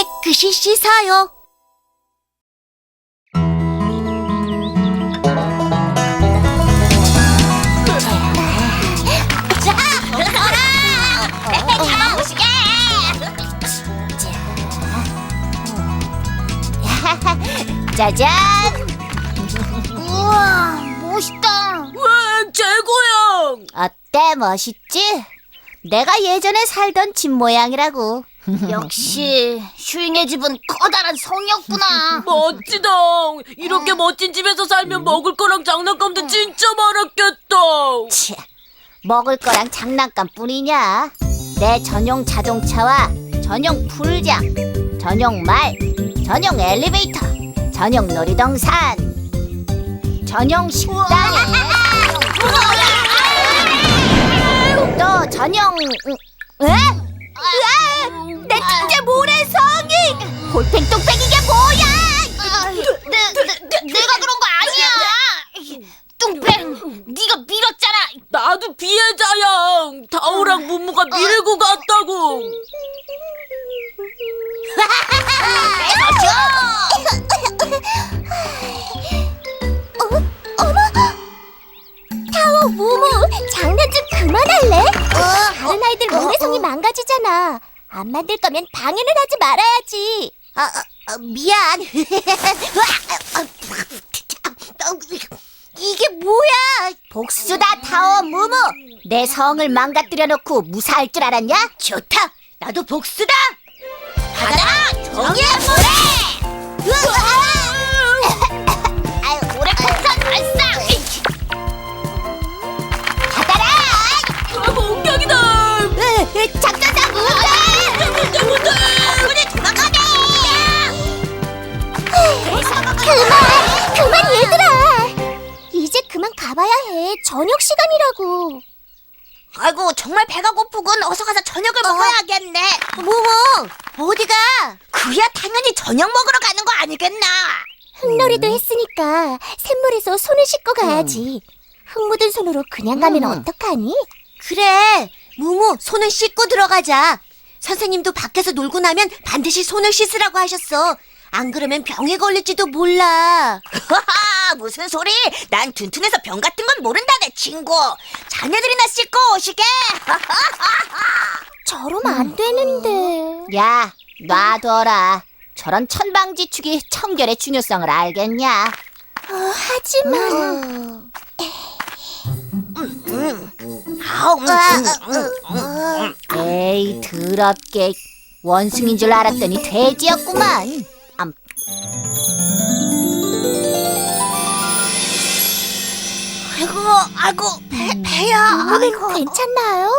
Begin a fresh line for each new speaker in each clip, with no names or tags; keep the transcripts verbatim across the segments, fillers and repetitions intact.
깨끗이 씻어요. 자, 어라! 잡아보시게! 짜잔! 우와, 멋있다.
와, 최고야!
어때, 멋있지? 내가 예전에 살던 집 모양이라고. 역시 슈잉의 집은 커다란 성이었구나.
멋지다. 이렇게 멋진 집에서 살면 먹을 거랑 장난감도 진짜 많았겠다.
치, 먹을 거랑 장난감뿐이냐? 내 전용 자동차와 전용 풀장, 전용 말, 전용 엘리베이터, 전용 놀이동산, 전용 식당에 또 전용 응? 에? 으아! 내 뚱제 모래성이! 볼펜 뚝배기 이게 뭐야! 내, 내, 내가 그런 거 아니야! 뚱뺑, 네가 밀었잖아!
나도 피해자야. 다오랑 무무가 밀고 갔다고.
타오, 무무, 장난 좀 그만할래? 다른 아이들 모래성이 망가지잖아. 안 만들 거면 방해는 하지 말아야지. 아, 아, 미안. 이게 뭐야? 복수다, 타오, 무무. 내 성을 망가뜨려 놓고 무사할 줄 알았냐? 좋다. 나도 복수다. 받아라, 정의의 모래. 아유, 모래 폭탄 발사. 받아라.
아, 공격이다.
작전장 무대!
무대, 무대.
우리 도망가네! 그만! 그만 얘들아! 이제 그만 가봐야 해. 저녁 시간이라고. 아이고, 정말 배가 고프군. 어서 가서 저녁을 먹어야겠네. 모모, 어디가? 그야 당연히 저녁 먹으러 가는 거 아니겠나? 흙놀이도 했으니까 샘물에서 손을 씻고 가야지. 흙 묻은 손으로 그냥 가면 어떡하니? 그래, 무무, 손을 씻고 들어가자. 선생님도 밖에서 놀고 나면 반드시 손을 씻으라고 하셨어. 안 그러면 병에 걸릴지도 몰라. 무슨 소리? 난 둔둔해서 병 같은 건 모른다, 내 친구. 자네들이나 씻고 오시게. 저러면 안 되는데. 야, 놔둬라. 저런 천방지축이 청결의 중요성을 알겠냐? 어, 하지만... 에이, 더럽게. 원숭이인 줄 알았더니 돼지였구만. 암. 아이고, 아이고, 배, 배야. 아이고, 괜찮나요?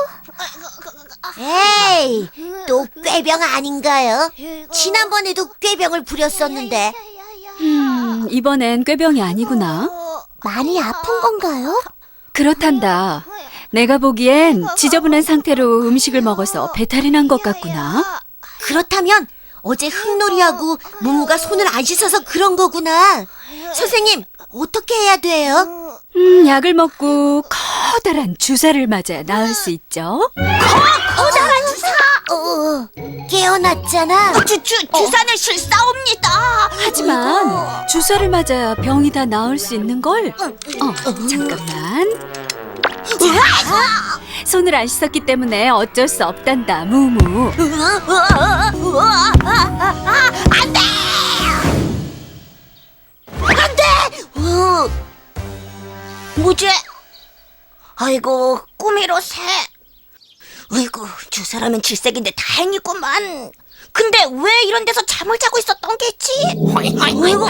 에이, 또 꾀병 아닌가요? 지난번에도 꾀병을 부렸었는데.
음, 이번엔 꾀병이 아니구나.
많이 아픈 건가요?
그렇단다. 내가 보기엔 지저분한 상태로 음식을 먹어서 배탈이 난 것 같구나.
그렇다면 어제 흙놀이하고 무무가 손을 안 씻어서 그런 거구나. 선생님, 어떻게 해야 돼요?
음, 약을 먹고 커다란 주사를 맞아야 나을 수 있죠.
커다란 주사! 어, 깨어났잖아. 주, 주, 주사는 실사옵니다.
하지만 주사를 맞아야 병이 다 나을 수 있는걸. 어, 잠깐만. 자, 손을 안 씻었기 때문에 어쩔 수 없단다, 무무.
안 돼! 안 돼! 어. 뭐지? 아이고, 꿈이로 새. 아이고, 주사라면 질색인데 다행이구만. 근데 왜 이런 데서 잠을 자고 있었던 게지? 아이고,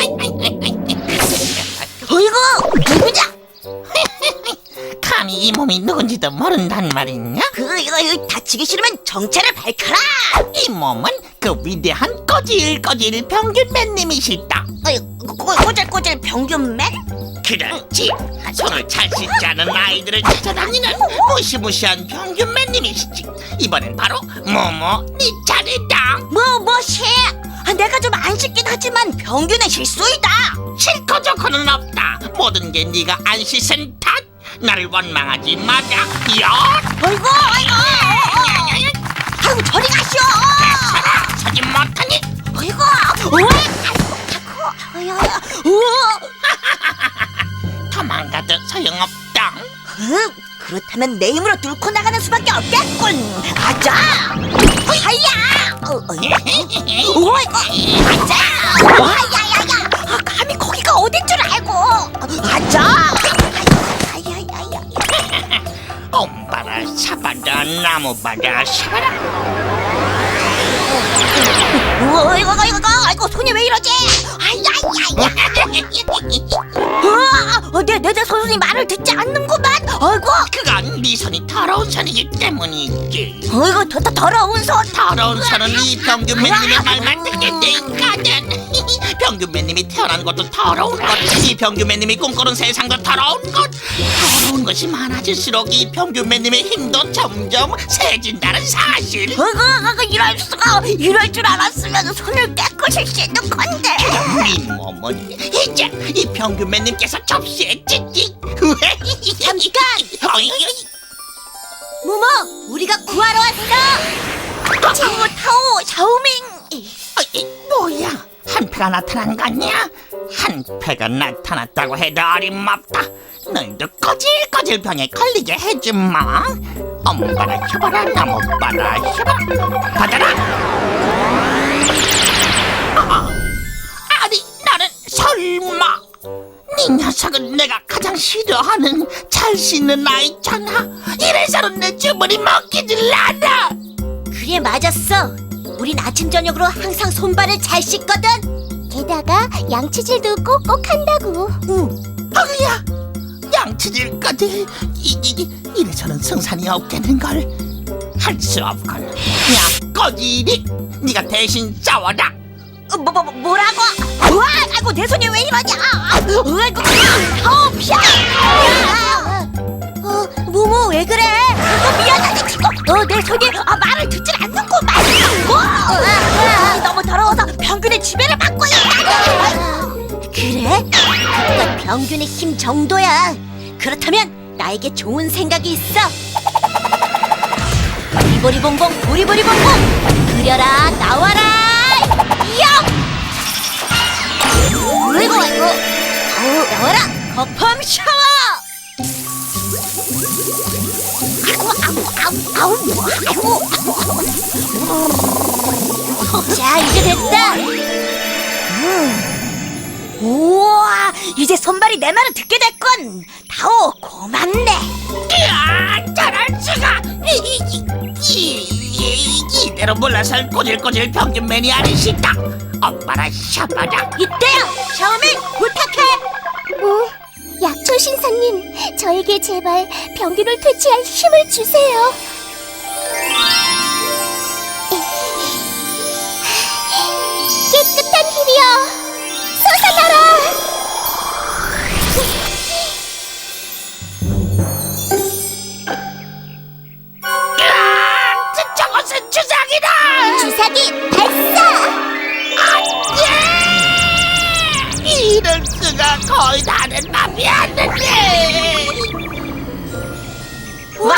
아이고, 누구냐?
감히 이 몸이 누군지도 모른단 말이냐?
그, 이거, 이거 다치기 싫으면 정체를 밝혀라.
이 몸은 그 위대한 꼬질꼬질 평균맨님이시다.
어이, 꼬, 꼬질꼬질 평균맨?
그렇지. 손을 잘 씻지 않은 아이들을 찾아다니는 무시무시한 평균맨님이시지. 이번엔 바로 모모 네 차례다.
뭐, 뭐시? 아, 내가 좀 안 씻긴 하지만 평균의 실수이다.
싫고 좋고는 없다. 모든 게 네가 안 씻은 탓. 나를 원망하지 마라. 야!
어이구, 어이구. 아이고, 저리 가시오.
서지 못하니
그렇다면 내 힘으로 뚫고 나가는 수밖에 없겠군. 가자. 하야. 어, 어, 오이, 가자. 하야야야. 아, 감히 거기가 어딘 줄 알고. 가자. 하야야야.
엄바라 샤바라 나무바라 샤바라.
어, 이거 이거 이거 아이고 손이 왜 이러지? 아야야야. 어, 내내 내 손이 말을 듣지 않는구만. 아이고.
그건 네 손이 더러운 손이기 때문이지.
어이구 더, 더 더러운 손.
더러운 손은 이 병균맨님의 말만 듣게 돼 있거든. 병균맨님이 태어난 것도 더러운 것, 이 병균맨님이 꿈꾸는 세상도 더러운 것. 더러운 것이 많아질수록 이 병균맨님의 힘도 점점 세진다는 사실.
어이구 어이구 이럴 수가. 이럴 줄 알았으면 손을 깨끗이 씻는 건데.
네 몸은 이제 이 병균맨님께서 접시에 찢지.
잠깐! 무모, 우리가 구하러 왔어. 타오 타오 샤오밍.
어이, 뭐야? 한패가 나타난 거냐? 한패가 나타났다고 해도 어림없다. 너희도 꼬질꼬질 병에 걸리게 해주마. 엄바라 혀바라 나무바라 혀바라 받아라. 아, 아니 나는 설마 네 녀석은 내가 가장 싫어하는 잘 씻는 아이잖아. 이래서는 내 주문이 먹히질 않아.
그래 맞았어. 우린 아침 저녁으로 항상 손발을 잘 씻거든. 게다가 양치질도 꼭꼭 한다고. 응.
어이야, 양치질까지. 이, 이, 이래서는 승산이 없겠는걸. 할 수 없건. 야 꼬지리, 네가 대신 싸워라.
어, 뭐, 뭐, 뭐라고? 우와, 아이고 내 손이 왜 이러냐? 아이고, 아우 피야. 어, 무모 왜 그래? 어, 미안하다 친구. 어, 내 손이 아, 말을 듣질 않는구만. 어, 어, 너무 더러워서 병균의 지배를 받고 있다. 그래? 그건 병균의 힘 정도야. 그렇다면 나에게 좋은 생각이 있어. 보리보리봉봉 보리보리봉봉 그려라 나와라. 영! 아이고 아이고. 어, 나와라 거품 샤워. 아이고 아우 아우 아우 아이고. 자 이제 됐다. 음. 우와 이제 손발이 내 말을 듣게 됐군. 다오 고맙네.
이야, 저럴 수가. 이, 이, 이, 이, 이대로 물러설 꼬질꼬질 병균맨이 아니시다. 엄마라 샤바라.
이때야 샤오밍 부탁해. 어, 약초 신사님 저에게 제발 병균을 퇴치할 힘을 주세요. 깨끗한 힘이여 솟아나라.
아, 저- 저것은 주사기다.
주사기 발사.
예! 이럴 수가. 거의 다른 맘이 안 되네.
와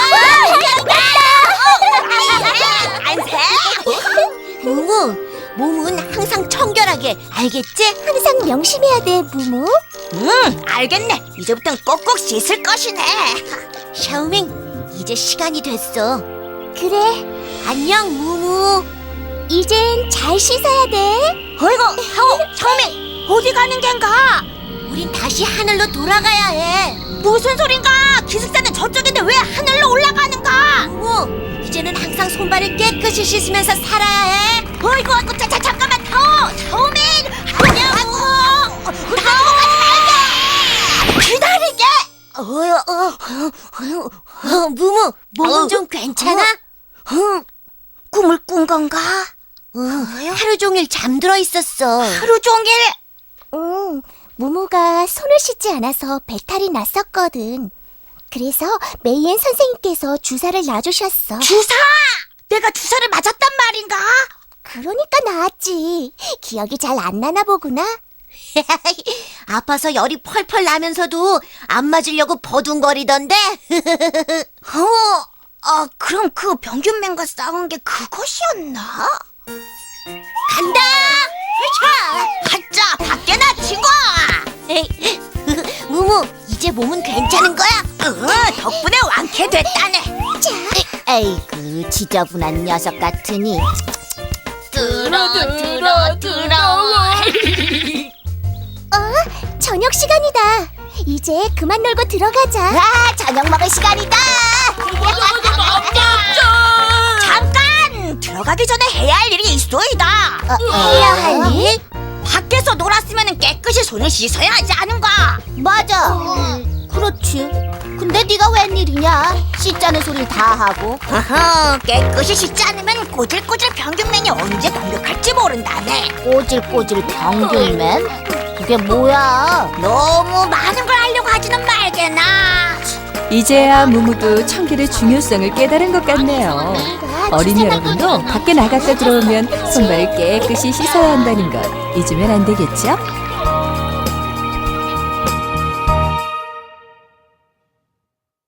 안돼. 무무 몸은 항상 청결하게 알겠지? 항상 명심해야 돼 무무. 응 알겠네. 이제부턴 꼭꼭 씻을 것이네. 샤오밍 이제 시간이 됐어. 그래 안녕 무무. 이젠 잘 씻어야 돼. 어이구 하오 샤오밍 어디 가는 겐가? 우린 다시 하늘로 돌아가야 해. 무슨 소린가? 기숙사는 저쪽인데 왜 하늘로 올라가는가? 무무 이제는 항상 손발을 깨끗이 씻으면서 살아야 해. 어이구 어이구 자, 자, 잠깐만 타오 샤오밍 아니냐고. 타오 가지 말게. 기다리게. 어여 어, 어, 어, 무무 몸은 좀 괜찮아? 응 꿈을 꾼 건가? 하루 종일 잠들어 있었어. 하루 종일? 응 무무가 손을 씻지 않아서 배탈이 났었거든. 그래서 메이엔 선생님께서 주사를 놔주셨어. 주사? 내가 주사를 맞았단 말인가? 그러니까 나았지. 기억이 잘 안 나나 보구나. 아파서 열이 펄펄 나면서도 안 맞으려고 버둥거리던데. 어, 아 그럼 그 병균맨과 싸운 게 그것이었나? 간다! 자, 가자 밖에나 친구. 무무 이제 몸은 괜찮은 거야? 어, 덕분에 왕 이렇게 됐다네. 자, 에이그 지저분한 녀석 같으니.
들어 들어 들어.
어, 저녁 시간이다. 이제 그만 놀고 들어가자. 와, 저녁 먹을 시간이다. 잠깐! 들어가기 전에 해야 할 일이 있어이다. 어, 해야 할 일? 밖에서 놀았으면 깨끗이 손을 씻어야 하지 않은가? 맞아. 음, 그렇지. 근데 네가 웬일이냐? 씻자는 소리를 다 하고. 어허, 깨끗이 씻지 않으면 꼬질꼬질 평균맨이 언제 공격할지 모른다네. 꼬질꼬질 평균맨? 그게 뭐야? 너무 많은 걸 하려고 하지는 말게나.
이제야 무무도 청결의 중요성을 깨달은 것 같네요. 어린이 여러분도 밖에 나갔다 들어오면 손발을 깨끗이 씻어야 한다는 것 잊으면 안 되겠죠?